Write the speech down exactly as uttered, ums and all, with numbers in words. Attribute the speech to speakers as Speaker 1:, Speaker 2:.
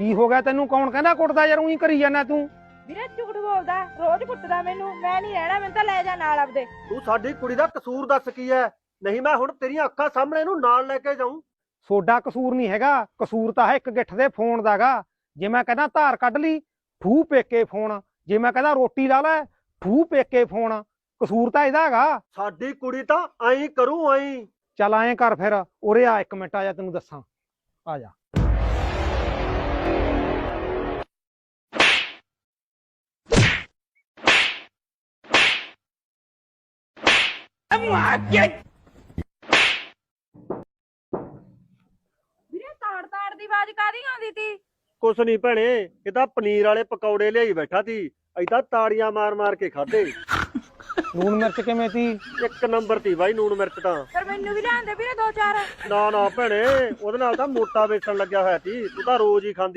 Speaker 1: ਕੀ ਹੋ ਗਿਆ ਤੈਨੂੰ? ਕੌਣ ਕਹਿੰਦਾ ਕੁੱਟਦਾ ਯਾਰ? ਉਹੀ ਕਰੀ ਜਾਂਦਾ ਤੂੰ।
Speaker 2: ਵੀਰੇ ਝੂਠ ਬੋਲਦਾ, ਰੋਜ਼ ਕੁੱਟਦਾ ਮੈਨੂੰ। ਮੈਂ ਨਹੀਂ ਰਹਿਣਾ, ਮੈਨੂੰ ਤਾਂ ਲੈ ਜਾ ਨਾਲ ਆਪਦੇ।
Speaker 3: ਤੂੰ ਸਾਡੀ ਕੁੜੀ ਦਾ ਕਸੂਰ ਦੱਸ ਕੀ ਹੈ? ਨਹੀਂ ਮੈਂ ਹੁਣ ਤੇਰੀਆਂ ਅੱਖਾਂ ਸਾਹਮਣੇ ਇਹਨੂੰ ਨਾਲ ਲੈ ਕੇ ਜਾਊਂ।
Speaker 1: ਸੋਡਾ ਕਸੂਰ ਨਹੀਂ ਹੈਗਾ, ਕਸੂਰ ਤਾਂ ਹੈ ਇੱਕ ਗਿੱਠ ਦੇ ਫੋਨ ਦਾਗਾ। ਜੇ ਮੈਂ ਕਹਿੰਦਾ ਧਾਰ ਕੱਢ ਲਈ, ਠੂ ਪੇਕੇ ਫੋਨ। ਜੇ ਮੈਂ ਕਹਿੰਦਾ ਰੋਟੀ ਲਾ ਲੈ, ਠੂ ਪੇਕੇ ਫੋਨ। ਕਸੂਰ ਤਾਂ ਇਹਦਾ ਹੈਗਾ।
Speaker 3: ਸਾਡੀ ਕੁੜੀ ਤਾਂ ਐਂ ਕਰੂ ਐਂ।
Speaker 1: ਚੱਲ ਐਂ ਕਰ ਫਿਰ, ਉਰੇ ਆ ਇੱਕ ਮਿੰਟ, ਆ ਜਾ ਤੈਨੂੰ ਦੱਸਾਂ। ਆ ਜਾ।
Speaker 2: ਵੀਰੇ ਤਾੜ ਤਾੜ ਦੀ ਆਵਾਜ਼ ਕਾਹਦੀ ਆਉਂਦੀ ਤੀ?
Speaker 3: ਕੁਛ ਨਹੀਂ ਭੈਣੇ, ਇਹ ਤਾਂ ਪਨੀਰ ਵਾਲੇ ਪਕੌੜੇ ਲਿਆਈ ਬੈਠਾ ਸੀ। ਅਸੀਂ ਤਾਂ ਤਾੜੀਆਂ ਮਾਰ ਮਾਰ ਕੇ ਖਾਦੇ।
Speaker 1: ਲੂਣ ਮਿਰਚ ਕਿਵੇਂ ਤੀ?
Speaker 3: ਇੱਕ ਨੰਬਰ ਤੀ ਬਾਈ ਨੂਣ ਮਿਰਚ ਤਾਂ।
Speaker 2: ਫਿਰ ਮੈਨੂੰ ਵੀ ਲਿਆਂਦੇ ਵੀਰੇ ਦੋ ਚਾਰ।
Speaker 3: ਨਾ ਨਾ ਭੈਣੇ, ਉਹਦੇ ਨਾਲ ਤਾਂ ਮੋਟਾ ਵੇਚਣ ਲੱਗਿਆ ਹੋਇਆ ਸੀ। ਤੂੰ ਤਾਂ ਰੋਜ਼ ਹੀ ਖਾਂਦੀ।